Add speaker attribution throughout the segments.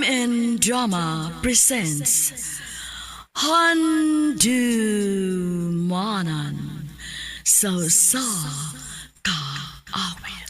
Speaker 1: and Drama presents Handumanan Sa Ka Awit.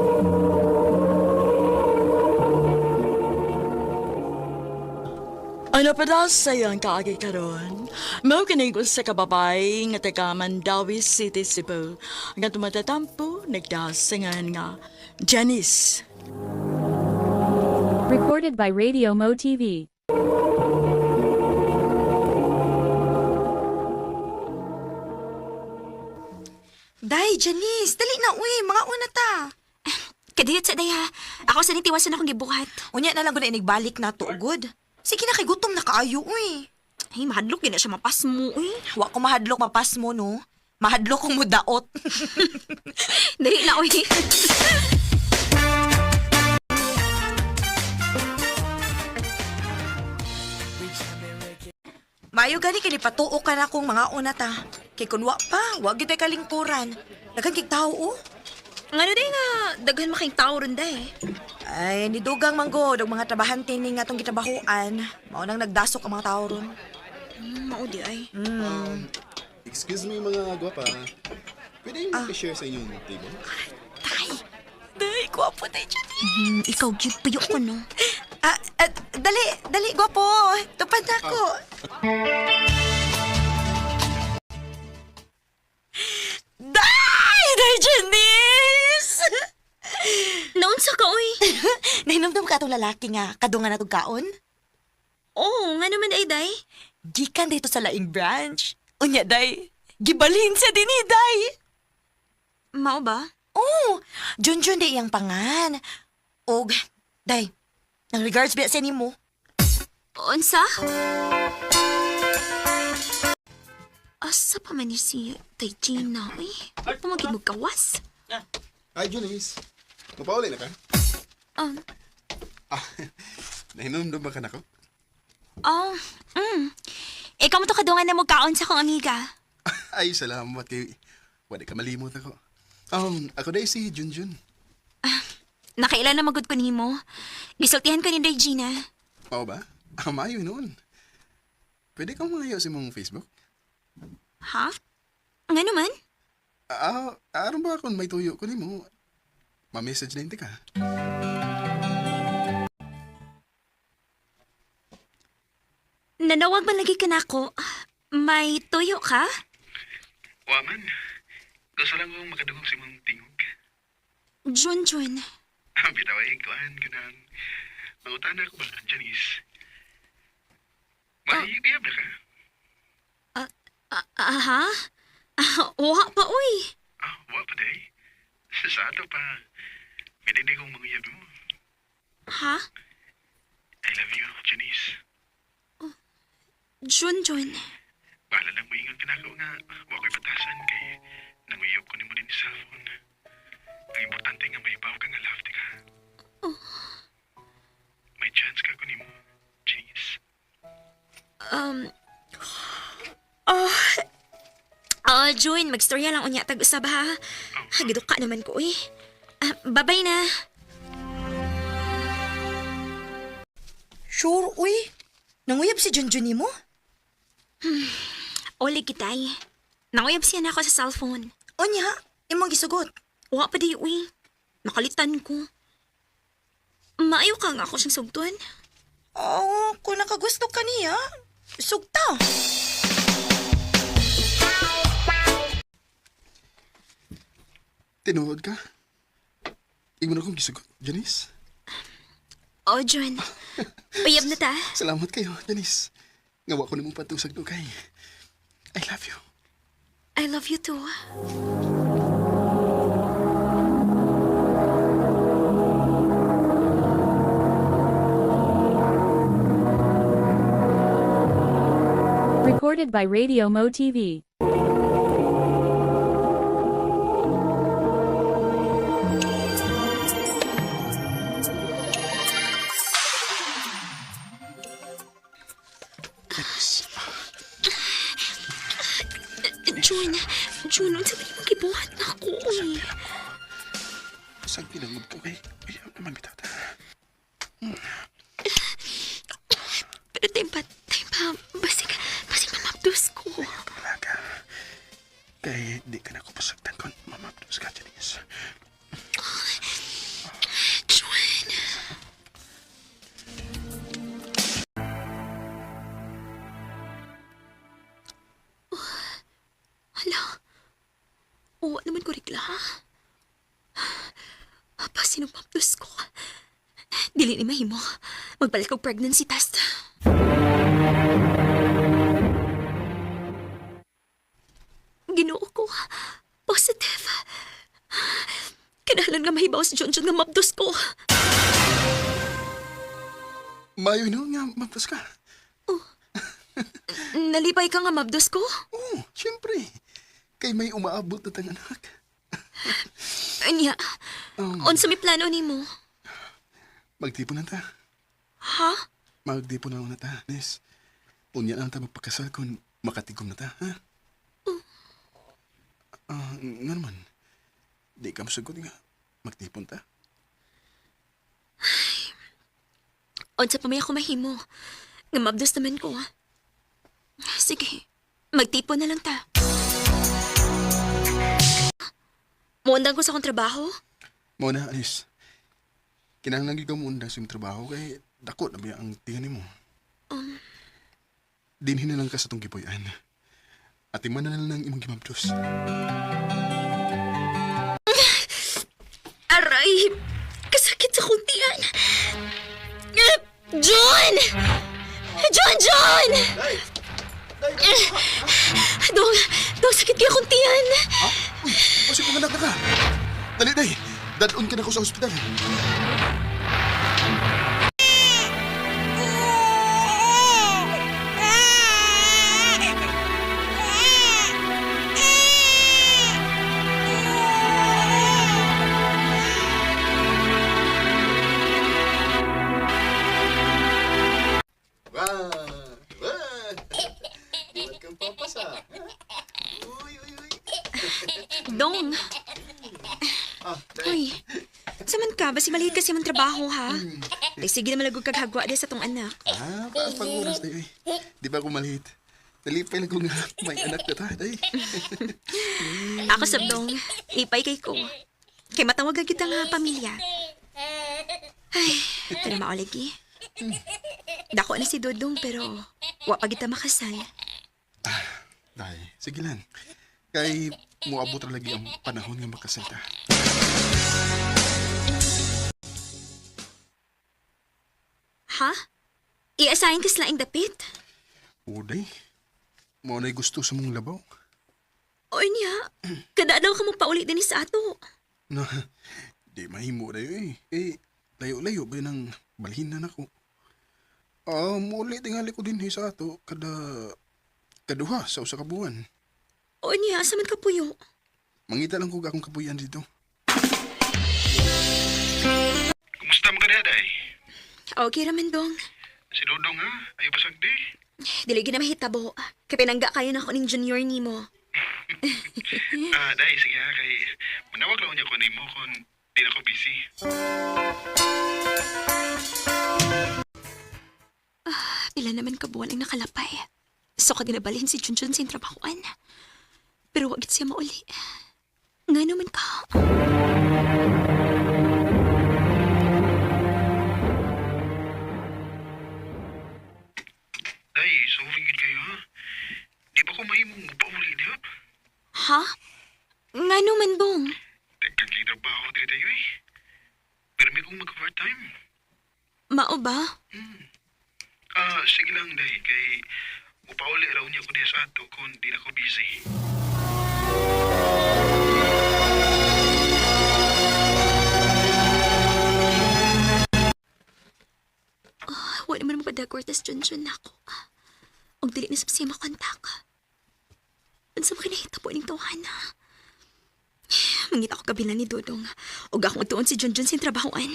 Speaker 1: Ano pa daw sayang kaagi karon? Mao kining usa ka babay nga taga Mandawi City, Cebu. Nga tumatatampo nagdasingan nga Janice.
Speaker 2: Recorded by Radio Mo TV.
Speaker 3: Day, Janice, dali na uy, mga una ta.
Speaker 4: Kadiyot sa day ha. Ako sa nitiwasan akong gibuhat.
Speaker 3: Unya na lang ko na inigbalik na to, good. Sige na kay gutom na kaayo, uy.
Speaker 4: Ay, mahadlok din na siya mapas mo, eh.
Speaker 3: Wa ko mahadlok mapas mo, no? Mahadlok kong mudaot.
Speaker 4: Dali na, uy.
Speaker 3: Mayo gani kay patuo ka na kong mga una ta. Kay kun wa pa, wa gyud tay kalingkuran. Daghang kig tawo, oh.
Speaker 4: Ngano day nga, daghan making tao ron day.
Speaker 3: Ay, nidugang manggod og mga trabahante ni nga tong gitabahuan. Mao nang nagdasok ang mga tawo ron.
Speaker 4: Maudi ay.
Speaker 5: Excuse me mga gwapa. Pwede yung i-share sa inyong table?
Speaker 3: Day, gwapo day, Janice.
Speaker 4: Ikaw, cute payo ko, no?
Speaker 3: Dali, gwapo. Tupad na ako. Day, Janice!
Speaker 4: Naon sa ka, uy?
Speaker 3: Nahinomdom ka itong lalaki nga, kadungan na itong kaon?
Speaker 4: Oo, nga naman ay day.
Speaker 3: Gikan dito sa laing branch. Unya, day. Gibalhin siya din day.
Speaker 4: Mao ba?
Speaker 3: Oh, Junjun day iyang pangan. Og, day, nang regards ba sa mo?
Speaker 4: Unsa? Asa pa man ni si Tay Gina, uy? Ano pa maging magkawas?
Speaker 5: Hi, Junice. Mapauli na ka?
Speaker 4: Um,
Speaker 5: Nahinumdum ba ka na ko?
Speaker 4: oh, Ikaw mo to kadungan na magkaon sa kong amiga.
Speaker 5: Ay, salamat kay... Wala ka malimot ako. Ako dahil si Junjun.
Speaker 4: Nakailan na magod ko nimo. Gisultihan ko ni Day Gina.
Speaker 5: Pao ba? Mayo noon. Pwede kang mangayaw sa mong Facebook?
Speaker 4: Ha? Nga naman?
Speaker 5: Aron ba kung may tuyo ko ni mo? Ma-message na hindi ka.
Speaker 4: Nanawag man lagi ka na ako. May tuyo ka?
Speaker 5: Waman. Gusto lang kong makadungog si mong tingog.
Speaker 4: Junjun.
Speaker 5: Bitaway, kuhan ka na. Mangutana ko ba, Janice? Iyab na ka?
Speaker 4: Ha? Wa pa, uy.
Speaker 5: Wa pa day. Sa ato pa. Hindi kong manguyab mo.
Speaker 4: Ha?
Speaker 5: I love you, Janice.
Speaker 4: Junjun.
Speaker 5: Bahala lang mo ingat ka na ako nga. Wa ko'y batasan kay nanguyab ko ni mo din sa cellphone. Ang importante nga may baw ka nga love ka. May chance ka ko ni mo, Janice.
Speaker 4: Jun, magstorya lang unya tag-usab ha. Hagidok ka naman ko, uy. Babay na.
Speaker 3: Sure, uy. Nanguyab si Junjun ni mo?
Speaker 4: Oli kitay. Nanguyab siya na ako sa cellphone.
Speaker 3: Unya, imong gisugot.
Speaker 4: Wa pa di, uy. Nakalitan ko. Maayo ka nga ako siyang sugtuan.
Speaker 3: Oh, kung nakagusto ka niya, sugta.
Speaker 5: Tinuod ka? Imo na kong gisugot, Janice.
Speaker 4: Oh, Jun. Uyab na ta.
Speaker 5: Salamat kayo, Janice. Ngawa ko na mong patusag do kay. I love you.
Speaker 4: I love you too.
Speaker 2: Recorded by Radio Mo TV.
Speaker 4: Jun, unsa ba yung gibuhat na ako, uy?
Speaker 5: Saan pinangod ko kay? Ayaw naman bitata.
Speaker 4: Dili ni mahimo. Magbalik og pregnancy test. Ginoo ko. Positive. Kinahanglan nga mahibaw si Junjun nga mabdos ko.
Speaker 5: Mayo no nga mapos ka.
Speaker 4: Nalipay ka nga mabdos ko?
Speaker 5: Oo, siyempre. Kay may umaabot na tang anak.
Speaker 4: Anya, unsa may plano nimo?
Speaker 5: Magtipon na ta.
Speaker 4: Ha?
Speaker 5: Magtipon na ta, Nes. Unya na ta magpakasal kung makatigom na ta, ha? Nga naman. Di ka masagot nga. Magtipon ta.
Speaker 4: Unsa pa may ako mahimo? Nga mabdos naman ko. Sige, magtipon na lang ta. Muundang ko sa akong trabaho?
Speaker 5: Muna, Anis. Kinahanglan gyud ka mo undang sa imong trabaho kay dako na ba ang tingan mo. Dinhin na lang ka sa tong gipuy-an. At iman na lang imong gimabdos.
Speaker 4: Aray! Kasakit sa kuntian! John! John! Dong, sakit kaya kuntian!
Speaker 5: Ha? Uy, pasig mo anak na ka. Dali, day. Dadon ka na ko sa ospital. Welcome, Papas, ah. Uy.
Speaker 4: Dong! Uy, saman ka? Basi maliit kasi mong trabaho, ha? Ay, sige na malagog kaghagwa di sa tong anak.
Speaker 5: Pag-uras tayo, eh. Di ba ako maliit? Nalipay lang ko nga may anak na tayo, day.
Speaker 4: Ako sabdong, ipay kay ko. Kay matawag kita nga pamilya. Ay, pero mauligi. Dako na si Dodong pero wa pa kita makasal.
Speaker 5: Day, sige lang. Kay muabot ra lagi ang panahon nga makasalta.
Speaker 4: Ha? I-assign ka sila ang dapit?
Speaker 5: O, day. Mo na'y gusto sa mong labaw.
Speaker 4: O niya, kada daw ka mo paulit din sa ato.
Speaker 5: Na, di mahimo dayo eh. Layo-layo ba ng balhinan ako? Muli tingali ko din sa ato kaduha sa usa ka buwan.
Speaker 4: O niya, asaman ka puyo?
Speaker 5: Mangita lang ko akong kapuyan dito.
Speaker 6: Kumusta mo ka na, day?
Speaker 4: Okay raman dong.
Speaker 6: Si Dodong, ha? Ayaw ba sagdi?
Speaker 4: Dili gina mahitabo. Kay pinangga kayo na ako ning junior nimo.
Speaker 6: Day, sige ha, kay manawag lang niya ko nimo kung di na ko busy.
Speaker 4: Pila naman kabuan ang nakalapay. So ka ginabalhin si Junjun sa trabahoan. Pero wag siya mauli. Nga naman ka.
Speaker 6: Day, sorry gid kayo, ha? Di ba ko mahimong mapauli niya?
Speaker 4: Ha? Nga naman dong.
Speaker 6: Tekan kay trabaho dili tayo eh. Pero may kong mag-part-time.
Speaker 4: Mao ba?
Speaker 6: Sige lang, day, kay mupauli raw niya ko diya sa ato kung di na ko busy.
Speaker 4: Wala naman mapadagwar tas Junjun na ako. Og dili na sa siya makontak. Unsa mo kinahita po ning tawhana? Mangita ko kabila ni Dodong. Og akong tuon si Junjun sa trabahoan.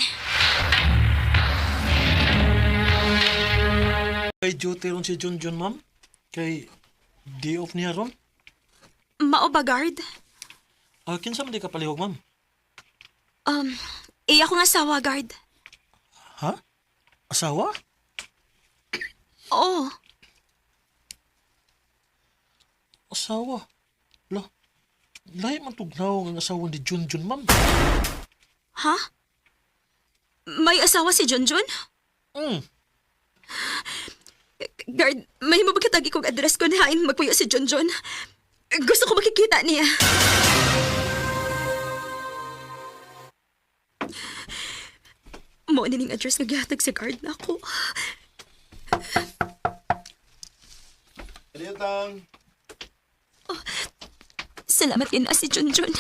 Speaker 7: Kay duty ron si Junjun, ma'am. Kay day off niya ron.
Speaker 4: Mao ba, guard?
Speaker 7: Kinsa man di ka palihog, ma'am?
Speaker 4: Iya ko nga asawa, guard.
Speaker 7: Ha? Asawa?
Speaker 4: Oo.
Speaker 7: Asawa? Lahi man tugnaw ang asawa ni Junjun, ma'am.
Speaker 4: Ha? May asawa si Junjun? Guard, may mabagkatagi kong address ko na hain magpuyo si Junjun. Gusto ko makikita niya. Mao na ning address nga gihatag sa guard na ako.
Speaker 5: Aliyatang!
Speaker 4: Salamat din na si Junjun.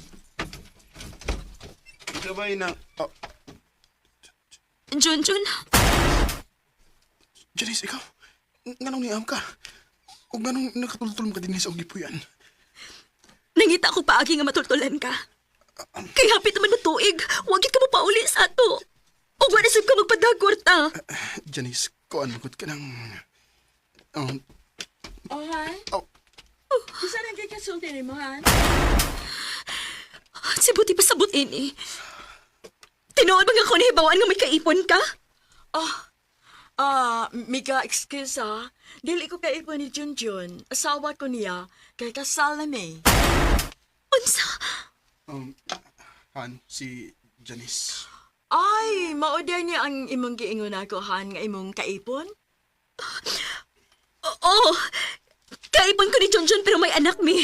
Speaker 5: Sabay na... Oh,
Speaker 4: Junjun,
Speaker 5: Janice, ikaw? Nganong niam ka? O nganong nakatultulong ka din sa ugipuyan?
Speaker 4: nangita ko paagi nga matultulan ka. Kay hapit naman na tuig, wag ka mo pauli sa ato. O wala sab ka magpadagwarta.
Speaker 5: Janice, kuan magod ka ng...
Speaker 1: Oh, Han?
Speaker 5: Oh.
Speaker 1: Isa lang kay kasulti ni mo, Han?
Speaker 4: Si Buti pa sabot ini. Tinuod ba nga ko nahibawaan nga may kaipon ka?
Speaker 1: Mika, excuse ha. Dili ko kaipon ni Junjun. Asawa ko niya. Kay kasal na may.
Speaker 4: Unsa?
Speaker 5: Han, si Janice.
Speaker 1: Ay, maudya niya ang imong giingon ako, Han, nga imong kaipon?
Speaker 4: Oo. Kaipon ko ni Junjun pero may anak mi.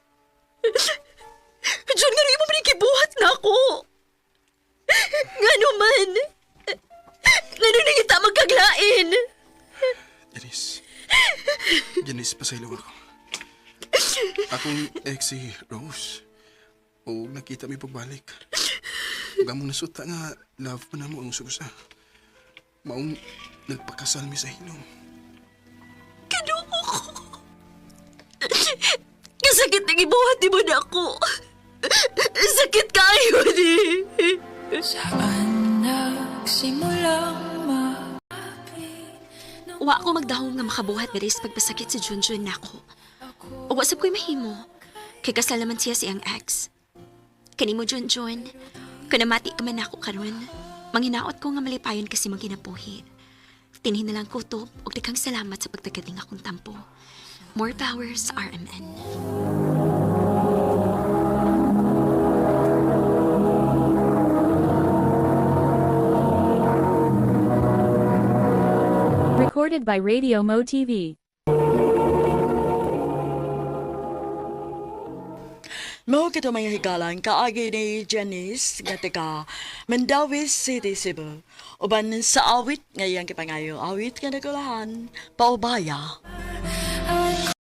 Speaker 4: Jun, nga rin mo manikibuhat na ako. Nga naman. Nga nung kita magkaglain.
Speaker 5: Janice. Janice, pasaylo ako. Akong ex si Rose. O nakita may pagbalik. Huwag mong nasuta nga love pa na mo ang susa. Maong nagpakasal mi sa hinom.
Speaker 4: Kinuha ko. Kasakit na gibuhat di mo na ako. Sakit kayo di.
Speaker 8: Saan nagsimulang
Speaker 4: Wa ako magdahong nga makabuhat nga rin sa pagpasakit si Junjun na ako. O wasap ko'y mahimo. Kay kasal naman siya siyang ex. Kanimo Junjun, kanamati ka man ako karon. Manghinaot ko nga malipayon kasi magkinapuhi. Tinhin na lang kutob o dikang salamat sa pagtagating akong tampo. More power sa RMN.
Speaker 2: Recorded by Radio Mo TV.
Speaker 1: Mo kito may higalan kaagi ni Janice nga taga Mandawi City, Cebu. Uban sa awit ngayang kipangayo awit nga nagulahan paubaya.